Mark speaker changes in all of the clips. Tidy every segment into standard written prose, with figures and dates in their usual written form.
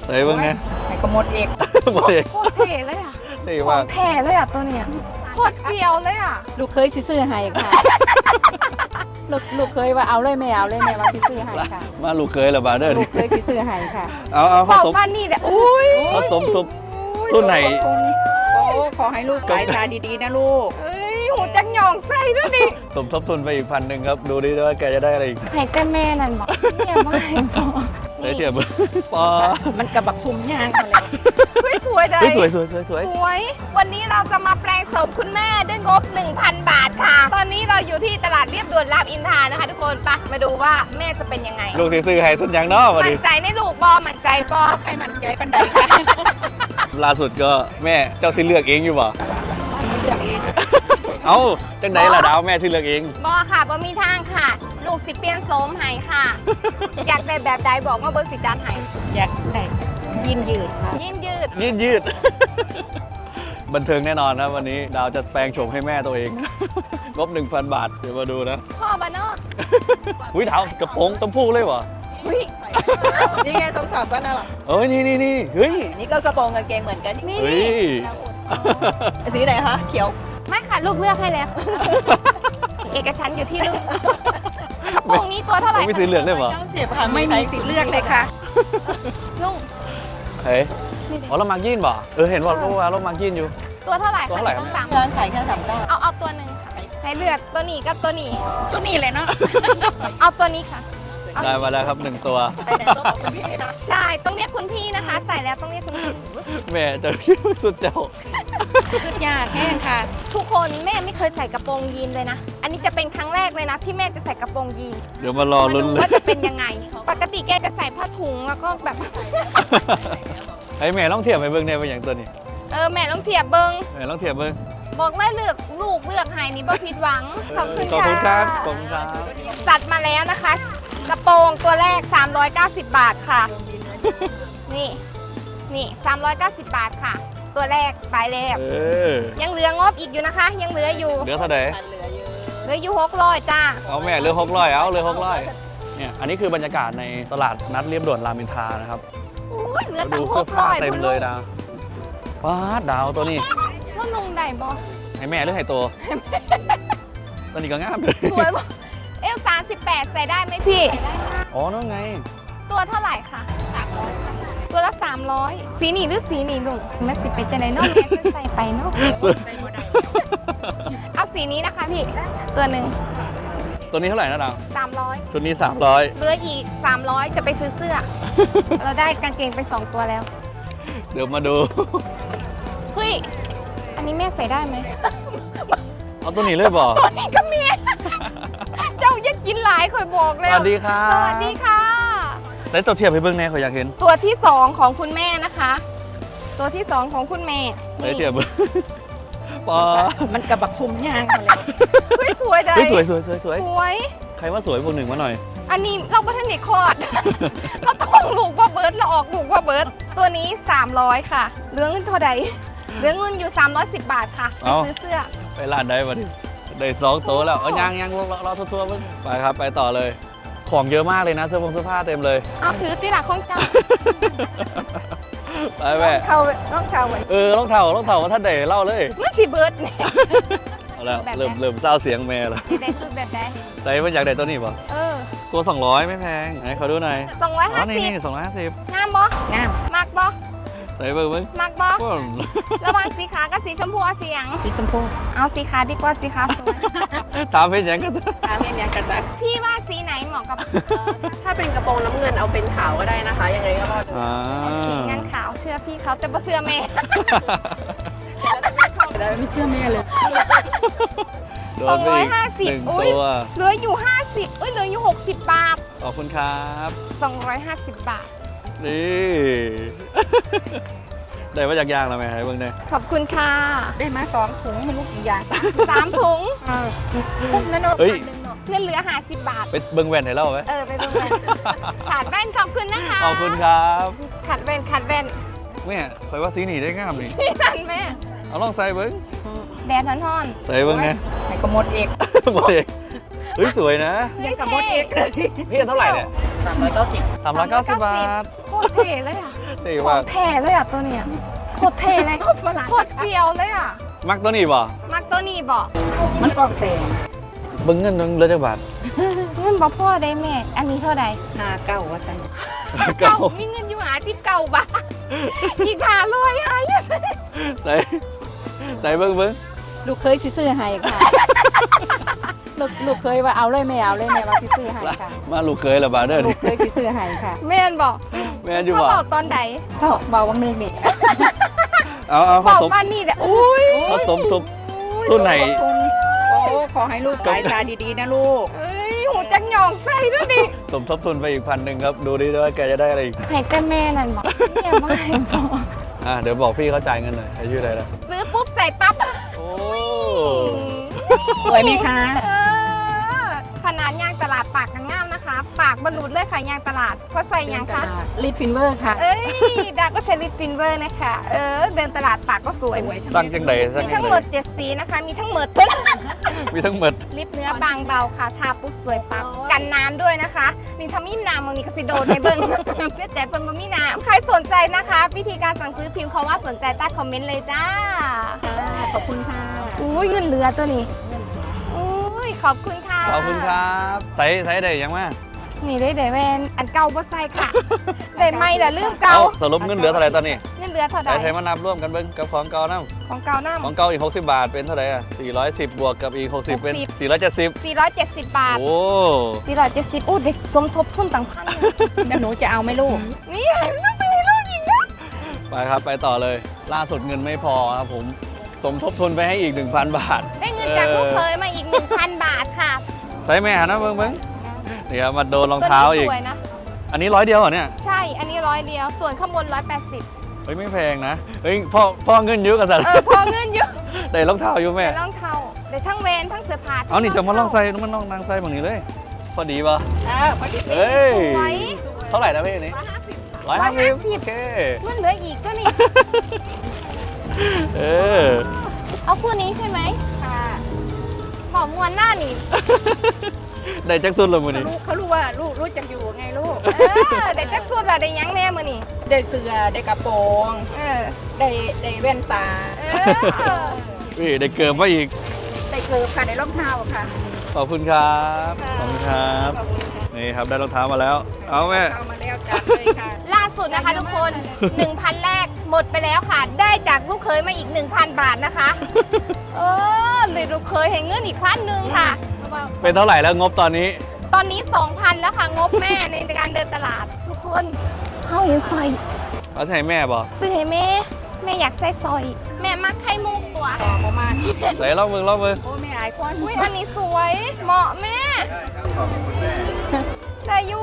Speaker 1: ใส่เบิ่งไง
Speaker 2: ไอ้กระมดเอก
Speaker 1: หมดเอง
Speaker 3: โคตรเท่เลยอ่ะ
Speaker 1: นี่
Speaker 3: ขอ
Speaker 1: ว่าง
Speaker 3: แท้เลยอ่ะตัวเนี้ยโคตรเฟี้ยวเลยอ่ะ
Speaker 2: ลูกเคยสิซื้อให้ค่ะ ลูกเคยว่าเอาเลยไม่เอาเลยแม่ว่าสิซื้อให้ค่ะ
Speaker 1: มาลูกเคยละบาเด้อ
Speaker 2: ลูกเคยสิซื้อให้ค่ะ
Speaker 1: เอาผ
Speaker 3: บอก
Speaker 1: สม
Speaker 3: พันนี่แหละอุ้ย
Speaker 1: ผสมซุปทุนไหน
Speaker 2: ขอบคุณโอ้ขอให้ลูกสายตาดีๆนะลูก
Speaker 3: เอ้ยหูจักหยองใส่ด้วยดิ
Speaker 1: สมทบทุนไปอีก1,000ครับดูดิว่าแกจะได้อะไรอีก
Speaker 3: ให้แต่แม่นั่นบอกเนี่ยว่าให้บอก
Speaker 1: ใส่เทียบปอ
Speaker 2: มันกระบักซุ่มย่างมาเลย
Speaker 3: เฮ้ยสวยเลย
Speaker 1: เฮ้ยสวยสวยสวยสวย
Speaker 3: สวย วันนี้เราจะมาแปลงโฉมคุณแม่ด้วยงบ 1,000 บาทค่ะ ตอนนี้เราอยู่ที่ตลาดเรียบด่วนรามอินทรานะคะทุกคนไปมาดูว่าแม่จะเป็นยังไง
Speaker 1: ลูกซื้อให้สุดยังเนาะวัน
Speaker 3: มั่
Speaker 1: นี้
Speaker 3: นใจในลูกบอมั่นใจบอ
Speaker 2: ให้มันใจปันใดค่ะ
Speaker 1: ล่าสุดก็แม่เจ้าสิเลือกเองอยู่บ่
Speaker 2: เลือกเอง
Speaker 1: เอ้าจังไหนล่ะดาวแม่สิเลือกเอง
Speaker 3: บอค่ะบอมีทางค่ะ ลูกสิเปลี่ยนโสมให้ค่ะ อยากได้แบบใดบอกมาเบิร์สิจานให้
Speaker 2: อยากได้ยินยืดค่ะ
Speaker 3: ยิ่งยืด
Speaker 1: ยืด บันเทิงแน่นอนนะวันนี้ดาวจะแปลงโฉมให้แม่ตัวเอง งบ 1,000 บาทเดี๋ยวมาดูนะ
Speaker 3: พ่อบานอก
Speaker 1: อุ้ยดาวกระโปรงชมพูเลยวะ
Speaker 3: อุ้ย
Speaker 2: นี่ไงทดสอบก็น่ารัก
Speaker 1: เอ้ยนี่เฮ้ย
Speaker 2: นี่ก็กระโปรงกางเกงเหมือนกันนี่
Speaker 1: เฮ้ย
Speaker 2: สีไหนคะเขียว
Speaker 3: ไม่ค่ะลูกเลือกให้แล้ว เอกฉันท์อยู่ที่ลูกกระโปรงนี้ตัวเท่าไหร่
Speaker 1: ไม่สีเหลืองได้ปะ
Speaker 2: ไม่มีสิทธิ์เลือกเลยค่ะ
Speaker 3: ลุง
Speaker 1: เฮ้ยอ๋อเรามาร์กยีนบ่เห็นว่าเรามาร์กยีนอยู่
Speaker 3: ตัวเท่าไหร่
Speaker 1: ตัวเท่าไหร่
Speaker 3: ต้องสั่ง
Speaker 2: ร้านขายแค่39
Speaker 3: เอาตัวหนึ่งค่ะให้เลือกตัวนี้กับตัวนี้
Speaker 2: ตัวนี้เลยเนาะ
Speaker 3: เอาตัวนี้ค่ะเอา
Speaker 1: ได้มาแล้วครับ1ตัว
Speaker 2: ไปไหนต้องบอกคุณพี่นะ
Speaker 3: ใช่ต้องเรียกคุณพี่นะคะ ใส่แล้วต้องเรียกคุณพี่
Speaker 1: แม่จะชื่อสุดเจ้า
Speaker 2: คือยากแห้งค่ะ
Speaker 3: ทุกคนแม่ไม่เคยใส่กระโปรงยีนเลยนะ อันนี้จะเป็นครั้งแรกเลยนะ ที่แม่จะใส่กระโปรงยีน
Speaker 1: เดี๋ยวมารอ
Speaker 3: มา
Speaker 1: ลุ้น
Speaker 3: ดู
Speaker 1: เลย
Speaker 3: ว่าจะเป็นยังไง ปกติแกจะใส่ผ้าถุงแล้วก็แบบ
Speaker 1: ไอ้แม่ต้องเทียบไปเบิ้งเนี่ยเป็นอย่างตัวนี้
Speaker 3: แม่ต้องเทียบเบิง
Speaker 1: แม่ต้องเทียบเบิ้ง
Speaker 3: บอกเลยเลือกลูกเลือกให้นี่บ่ผิดหวังขอบคุณ
Speaker 1: ขอบคุณค
Speaker 3: ค่ะ
Speaker 1: รับขอบคุณครับ
Speaker 3: จัดมาแล้วนะคะ กระโปรงตัวแรก 390 บาทค่ะ นี่390 บาทค่ะ ตัวแรกไปแล้ว ยังเหลืองบอีกอยู่นะคะ ยังเหลืออยู่
Speaker 1: เหลือเท่าไหร่
Speaker 3: เหลืออยู่600จ้า
Speaker 1: เอาแม่เหลือ600เอาเหลือ600เนี่ยอันนี้คือบรรยากาศในตลาดนัดเรียบด่วนรามอินทรานะครับ
Speaker 3: อุ้ยเหลือตั้
Speaker 1: ดู
Speaker 3: ง
Speaker 1: เสื้อผ้า
Speaker 3: 600
Speaker 1: เต็มเลยดาวป้าดดาวตัวนี้
Speaker 3: ว่านุ่งได้บ่
Speaker 1: ให้แม่หรือให้ตัว ตัวนี้ก็งามเลย
Speaker 3: สวยบ่เอล38 ใส่ได้ไหมพี่
Speaker 1: อ๋อนั่นไง
Speaker 3: ตัวเท่าไหร่คะ300ตัวละ 300 สีนี่หรือสีนี่ลุงแม่สิเป็นจังไดเนาะแม่ฉันใส่ไปเนาะเอาสีนี้นะคะพี่ ตัวหนึ่ง
Speaker 1: ตัวนี้เท่าไหร่นะดาว
Speaker 3: 300
Speaker 1: ชุดนี้
Speaker 3: เหลืออีก 300 จะไปซื้อเสื้อ เราได้กางเกงไป 2 ตัวแล้ว
Speaker 1: 300 เดี๋ยวมาดู
Speaker 3: เฮ้ย อันนี้แม่ใส่ได้ไหม
Speaker 1: เอาตัวนี้เลยบ่
Speaker 3: ตัวนี้ก็เมีย เจ้าอย่ากินหลายคอยบอก
Speaker 1: ส
Speaker 3: แล้ว
Speaker 1: วัสดีครับ
Speaker 3: สวัสดีค่ะ
Speaker 1: ใส่ตัวเทียบให้เบิ้งแน่ขอยอยากเห็น
Speaker 3: ตัวที่ 2 ของคุณแม่นะคะ ตัวที่ 2 ของคุณแม่
Speaker 1: ใส่เทียบเบิ้งปอ
Speaker 2: มันกระบักซุ่มย่างมาเลย
Speaker 3: เฮ้ยสวยเลย
Speaker 1: เฮ้ยสวย
Speaker 3: สวย
Speaker 1: ใครว่าสวยพวกหนึ่งมาหน่อย
Speaker 3: อันนี้เราไม่ทันได้คลอด เราต้องลูกว่าเบิร์ดเราออกลูกว่าเบิร์ดตัวนี้ 300 ค่ะ เหลือเงินเท่าใดเหลือเงินอยู่ 310 บาทค่ะไป
Speaker 1: เอ้า
Speaker 3: ซื้อเสื้อ
Speaker 1: ไปร้านได้มาดิได้2ตัวแล้วยังรอทั่วๆเบิ้งไปครับไปต่อเลย ของเยอะมากเลยนะเสื้อผ้าเต็มเลย
Speaker 3: เอาถือตีหลักของเจ้า
Speaker 1: ไปแม่
Speaker 2: ต้องเข้าเหมือน
Speaker 1: รองเท้าว่าท่านใดเล่าเลย
Speaker 3: เมื่อชีเบิร์ดเนี่ย
Speaker 1: เอาแล้ว
Speaker 3: แบบไหน
Speaker 1: เริ่มเศร้าเสียงแม่แล้ว
Speaker 3: ได้สุดแบบใด
Speaker 1: ใส่มันอยากได้ตัวนี้ป่ะ
Speaker 3: เออ
Speaker 1: ตัว200ไม่แพงไหนขอดูหน่อยอ๋อนี่
Speaker 3: 250
Speaker 1: 250
Speaker 3: งามบ่
Speaker 2: งาม
Speaker 3: มักบ่
Speaker 1: ใส่เบิ้ง
Speaker 3: มักบ่
Speaker 1: ว้าว
Speaker 3: ระหว่างสีขาวกับสีชมพูเอาสีหยัง
Speaker 2: สีชมพู
Speaker 3: เอาสีขาวดีกว่าสีขาวสวย
Speaker 1: ตามเพจยังก็
Speaker 2: ตาเมียนยังกระซัก
Speaker 3: พี่ว่าสีไหนเหมาะกับ
Speaker 4: ถ้าเป็นกระโปรงน้ำเงินเอาเป็นขาวก็ได้นะคะ ยังไงก็รอดู
Speaker 3: งานขาวเชื่อพี่เขาแต่บ่เชื่อแม่
Speaker 2: แล้วไม่เชื่อแม่เลย
Speaker 1: โดนไปอีกหนึ่ง
Speaker 3: 250อุ้ย
Speaker 1: ตัว
Speaker 3: เหลืออยู่50เหลืออยู่60 บาท
Speaker 1: ขอบคุณครับ
Speaker 3: 250 บาท
Speaker 1: นี่ ได้มาจากยางแล้วไหมให้เบิ้งได้
Speaker 3: ขอบคุณค่ะ
Speaker 2: ได้มา2 ถุงไม่รู้กี่อย่าง
Speaker 3: 3 ถุง
Speaker 2: พุ่มแล้วเนาะ
Speaker 1: เฮ้ย
Speaker 3: เงินเหลือ50 บาท
Speaker 1: ไปเบิ้งแว่นให้เล่าไหม
Speaker 3: ไปเบิ่งกันขาดแว่นขอบคุณนะคะ
Speaker 1: ขอบคุณครับ
Speaker 3: ขาดแว่น
Speaker 1: แม่คอยว่าสีนี่ได้งามนี่
Speaker 3: ที่นั่นแม่
Speaker 1: เอาลองใส่เบิ้ง
Speaker 3: แดดฮ้อน
Speaker 1: ใส่เบิ้งไง
Speaker 2: ไอ้กระมดเอก
Speaker 1: หมดเองเฮ้ยสวยนะ
Speaker 3: ๆ
Speaker 2: ยังกระมดเอกเลย
Speaker 1: พี่เท่าไหร่เนี่ย
Speaker 4: 390
Speaker 1: 390 บาท
Speaker 3: โคตรเท่เลยอ่ะ
Speaker 1: นี่
Speaker 3: ขอ
Speaker 1: ว่าง
Speaker 3: แท้เลยอ่ะตัวเนี้ยโคตรเท่เลย
Speaker 2: ฝรั่ง
Speaker 3: โคตรเฟี้ยวเลยอ่ะ
Speaker 1: มักตัวนี้บ่
Speaker 3: มักตัวนี้บอก
Speaker 2: มันกล่องแสง
Speaker 1: เบิ่งเงินนึงเหลือจักบาท
Speaker 3: เงินบ่พ่อได้แม่ อันนี้เท่าไหร่
Speaker 2: 59ว่าฉัน
Speaker 1: เก่า
Speaker 3: มีเงินอยู่หาที่เก่าบาทอีก500ไอ้
Speaker 1: ใส่เบิ่ง
Speaker 2: ลูกเคยสิซื้อให้ค่ะลูกเคยว่าเอาเลยแม่เอาเลยแม่ว่าสิซื้อให้ค่ะ
Speaker 1: มาลูกเคยละบาทเด้อ
Speaker 2: ลู
Speaker 1: นี่
Speaker 2: กเคยสิซื้อให้ค่ะ
Speaker 3: แม่นบอก
Speaker 1: แม่นอยู่
Speaker 3: เขา
Speaker 1: บ่
Speaker 3: บอกตอนไหน
Speaker 2: เขาเบาวังนึงนี่
Speaker 1: เอา
Speaker 3: บ
Speaker 1: เขา
Speaker 3: อก
Speaker 1: สม
Speaker 3: ว่านี่แหละอุ้ย
Speaker 1: เขาสมทบทุนไหน
Speaker 2: ขอบคุณโอ้ขอให้ลูกสายตาดีๆนะลูก
Speaker 3: เอ้ยหูจักหยองใส่ด้วยดิ
Speaker 1: สมทบทุนไปอีก1,000ครับดูดิว่าแกจะได้อะไรอีก
Speaker 3: ให้แต่แม่นั่นบอกเนี่ยไม่ให้บอก
Speaker 1: เดี๋ยวบอกพี่เขาจ่ายเงินหน่อยให้ชื่ออะไรนะ
Speaker 3: ซื้อปุ๊บใส่ปั๊บ
Speaker 1: โอ้
Speaker 2: สวยไหมคะ
Speaker 3: เออขนาดยางตลาดปากกันงามนะคะ ปากบรรลุดเลยค่ะยางตลาดเพราะใส่ยางคะ
Speaker 2: ลิปฟินเวอร์ค่ะ
Speaker 3: เอ้ยดาก็ใช้ลิปฟินเวอร์นะคะ เดินตลาดปากก็สวย
Speaker 2: สวย
Speaker 1: ตั้งจังใดตั้
Speaker 3: มี
Speaker 1: งจั
Speaker 3: ทั้
Speaker 1: ง
Speaker 3: ง
Speaker 1: ใด
Speaker 3: หมด7สีนะคะ มีทั้งหมด
Speaker 1: มีทั้งหมด
Speaker 3: ลิปเนื้อบางเบาค่ะ ทาปุ๊บสวยปั๊บ กันน้ำด้วยนะคะ นี่ถ้ามีน้ำบางนี้ก็สิโดนในเบิ้ง เสียใจเป็นบะมีน้ำใครสนใจนะคะ วิธีการสั่งซื้อพิมพ์คำว่าสนใจใต้คอมเมนต์เลยจ้า
Speaker 2: ขอบคุณค่ะ
Speaker 3: อุ้ยเงินเหลือตัวนี้อุ้ยขอบคุณค่ะ
Speaker 1: ขอบคุณครับใส่ได้ยังมา
Speaker 3: นี่ได้แวนอันเก่าบ่ใส่ค่ะ ได้ไม่แต่ลืมเก่า
Speaker 1: สรุปเงินเหลือเท่าไหร่ตอนนี้
Speaker 3: เงินเหลือเท่าใด
Speaker 1: ใช้มานับร่วมกันเบิ่งกับของเก่านํ
Speaker 3: ของเก่าน้ำ
Speaker 1: ของเก่าอีก60 บาทเป็นเท่าไหร่อ่ะ410 บวกกับอีก60เป็น 470
Speaker 3: 470 บาท
Speaker 1: โอ้
Speaker 3: 470อู้เด็กสมทบทุนต่างพัน
Speaker 2: แล้วหนูจะเอาไหมลูก
Speaker 3: นี่เห็นลูกสิลูกหญิงนะ
Speaker 1: ไปครับไปต่อเลย ล่าสุดเงินไม่พอครับผมสมทบทุนไปให้อีก 1,000 บาท
Speaker 3: ได้เงินจากลูกเคยมาอีก 1,000 บาทค่ะ
Speaker 1: ใส่แม่หันนะเบิ่งเดี๋ยวมาโดนรอง
Speaker 3: ตัว
Speaker 1: เท้า
Speaker 3: นี้
Speaker 1: อีก
Speaker 3: สวยนะ
Speaker 1: อันนี้100 เดียวเหรอเนี่ย
Speaker 3: ใช่ อันนี้100 เดียว ส่วนข้างบน180
Speaker 1: เฮ้ยไม่แพงนะเฮ้ยพ่อเงินเยอะกันสัตว์
Speaker 3: พอเงินเยอะ
Speaker 1: ได้รองเท้าอยู่แม่
Speaker 3: ได้รองเท้าได้ทั้งเวนทั้งเสื้อผ้า
Speaker 1: เอานี่จะมาลองใส่มันลองนางใส่แบบนี้เลย พอดีป่ะ
Speaker 2: พอดี
Speaker 1: เฮ้ย
Speaker 3: สวย
Speaker 1: เท่าไหร่นะพี่อันนี้
Speaker 3: 150
Speaker 1: 150โอเค
Speaker 3: เงินเหลืออีกก็นี่
Speaker 1: เออ
Speaker 3: เอาคู่นี้ใช่ไหม
Speaker 2: ค่ะ
Speaker 3: หมอมวนหน้านี่
Speaker 1: ได้จักสุดเลยมือนี้
Speaker 2: เขารู้ว่าลูกจะอยู่ไงลูก
Speaker 3: ได้จักสุดละได้ยังแน่มือนี่
Speaker 2: ได้เสื้อได้กระโปรง
Speaker 3: เออ
Speaker 2: ได้แว่นตา
Speaker 1: พี่ได้เกิร์มาอีก
Speaker 2: ได้เกิร์ฟค่ะได้รองเท้าค่ะ
Speaker 1: ขอบคุณครับขอบคุณครับ
Speaker 2: ขอบคุณค่ะ
Speaker 1: นี่ครับได้รองเท้ามาแล้ว เอาแม่
Speaker 2: เอามาแล้วจัดเลยค่ะ
Speaker 3: ล่าสุดนะคะทุกคน 1,000 แรกหมดไปแล้วค่ะ ได้จากลูกเคยมาอีก 1,000 บาทนะคะ หรือลูกเคยเห็นเงินอีก1,000ค่ะ
Speaker 1: เป็นเท่าไหร่แล้วงบตอนนี้
Speaker 3: ตอนนี้ 2,000 แล้วค่ะ งบแม่ในการเดินตลาด ทุกคนเขาเห็นใส่
Speaker 1: เอาใช่แม่บอก
Speaker 3: ซื้อให้แม่ แม่อยากใส่ซอย แม่มักไข่มุกตัว
Speaker 2: ต่อประมาณ
Speaker 1: ไหนรอบมือ
Speaker 2: โอ้ไม่อายควัน
Speaker 3: อุ้ยอันนี้สวย เหมาะแม่ ได้อยู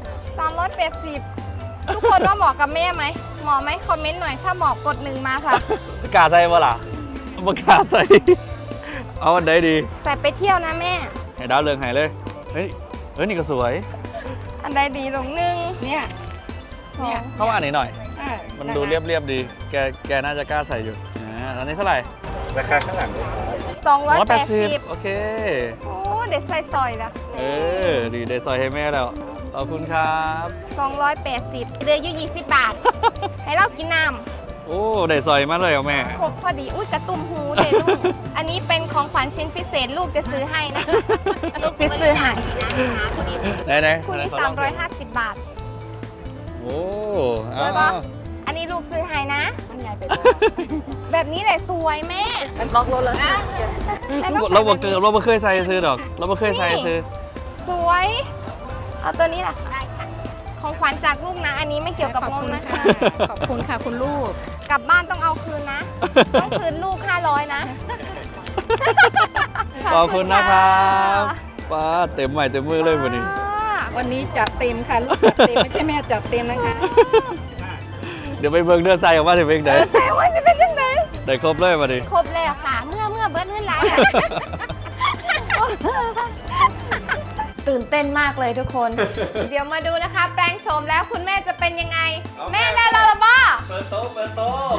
Speaker 3: 380 ทุกคนว่าเหมาะกับแม่ไหม เหมาะไหมคอมเมนต์หน่อย ถ้าเหมาะกด1มาค่ะ
Speaker 1: กล้าใส่ปะล่ะไม่กล้าใส่ เอาอันใดดี
Speaker 3: ใส่ไปเที่ยวนะแม่
Speaker 1: ให้ดาวเรืองให้เลย เฮ้ยนี่ก็สวย
Speaker 3: อันใดดีลงหนึ่ง
Speaker 2: เนี่ย
Speaker 3: สอง
Speaker 1: เข้ามาอันนี้หน่อย
Speaker 2: อ่ะ
Speaker 1: มันดูเรียบๆดี แกน่าจะกล้าใส่อยู่อันนี้เท่าไหร่
Speaker 5: ราคาข้างหลังด้วย
Speaker 3: 280
Speaker 1: โอเค
Speaker 3: โอ้เด็ดใส่ซอยละ
Speaker 1: ดีได้ซอยให้แม่แล้ว ขอบคุณครับ
Speaker 3: 280เหลืออยู่20 บาท ให้เรากินน้
Speaker 1: โอ้ได้ซอยมาเลยเอาแม่
Speaker 3: ำครบพอดี อุ้ยกระตุ้มหูเลยลูก อันนี้เป็นของขวัญชิ้นพิเศษลูกจะซื้อให้นะ ลูกจะซื้อให้
Speaker 1: ไหน
Speaker 3: คู่นี้350 บาท
Speaker 1: โอ้
Speaker 3: สวยปะ อันนี้ลูกซื้อให้นะ
Speaker 2: มันใหญ่ไป
Speaker 3: แบบนี้แหละสวยแม่
Speaker 2: มันบล็อกรถแล้วนะ
Speaker 3: ไม่ต้องใส่
Speaker 1: เรา
Speaker 3: แบบนี้
Speaker 1: เราไม่เคยใส่ซื้อดอก เราไม่เคยใส่ซื้อ
Speaker 3: สวย เอาตัวนี้แหละค่ะของขวัญจากลูกนะ อันนี้ไม่เกี่ยวกับงมนะคะ
Speaker 2: ขอบคุณค่ะคุณลูก
Speaker 3: กลับบ้านต้องเอาคืนนะ ต้องคืนลูก500นะ
Speaker 1: ขอบคุณนะครับป้าเต็มใหม่เต็มมือเลยวันนี้
Speaker 2: วันนี้จัดเต็มค่ะลูกจัดเต็มไม่ใช่แม่จัดเต็มนะคะ
Speaker 1: เดี๋ยวไปเบิ่งเดือนใส่ออกมาถึงเพลงไหน
Speaker 3: แซวว่าจะเป็นยังไง
Speaker 1: ได้ครบเลยวันนี้
Speaker 3: ครบแล้วค่ะ เมื่อเบิร์ดเงินล้านตื่นเต้นมากเลยทุกคน เดี๋ยวมาดูนะคะ แปลงโฉมแล้วคุณแม่จะเป็นยังไง แม่ได้แล้วหรือเปล่า
Speaker 1: เปิดโต๊ะเปิดโต๊ะ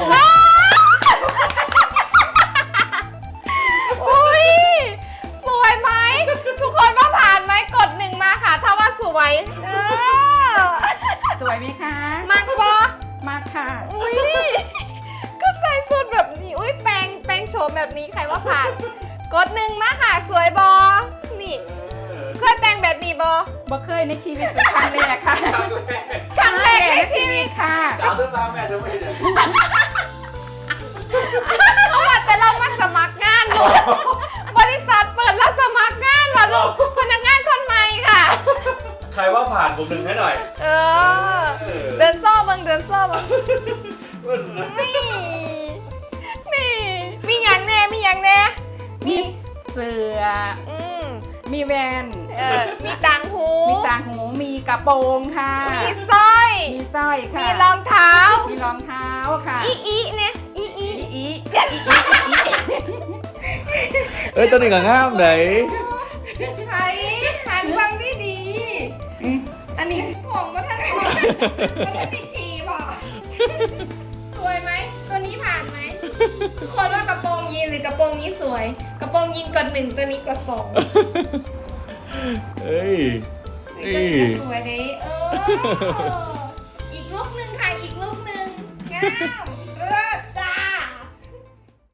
Speaker 3: อุ้ยสวยไหม ทุกคนว่าผ่านไหมกด1มาค่ะ ถ้าว่าสวย
Speaker 2: สวยไหมคะ
Speaker 3: มากปะ
Speaker 2: มาก
Speaker 3: อุ้ยก็ใส่สุดแบบนี้อุ้ยแปลงโฉมแบบนี้ใครว่าผ่าน กดหนึ่งมาค่ะ สวยบอนี่เคยแต่งแบบนี้บอ
Speaker 2: บ่เคยในชีวิตเป็นครั้งแรกค่ะ
Speaker 3: ครั้งแรกในชีวิต
Speaker 2: ค่ะ
Speaker 1: สาวตามแม่เธอไม่ได้
Speaker 3: เขาว่าแต่เรามาสมัครงานลูกบริษัทเปิดรับสมัครงานว่ะลูกพนักงานคนใหม่ค่ะ
Speaker 1: ใครว่าผ่านผมหนึ่งให้หน่อย
Speaker 3: เออ เดินโซ่เบิงเดินโซ่เบิงนี่นี่มีอย่างแน่มีอย่างแน่
Speaker 2: มีเสือ
Speaker 3: อืม
Speaker 2: มีแวน
Speaker 3: มีต่างหู
Speaker 2: มีต่างหู มีกระโปรงค่ะ
Speaker 3: มีสร้อย
Speaker 2: มีสร้อยค่ะ
Speaker 3: มีรองเท้า
Speaker 2: มีรองเท้าค่ะ
Speaker 3: อีเนี่ยอี
Speaker 2: อี
Speaker 1: เอ้ยตัวนี้ก็งามไหน
Speaker 3: ไผ่หันฟังดีดีๆอันนี้ของมาทันทีมาทันทีพอสวยไหมตัวนี้ผ่านไหมทุกคนว่ากระโปรงยีนหรือกระโปรงนี้สวย กระโปรงยีนกดหนึ่งตัวนี้กดสอง
Speaker 1: เอ้ย
Speaker 3: ตัวนี้ก็สวยเลยอีกลูกหนึ่งค่ะอีกลูกหนึ่งงามเลิศ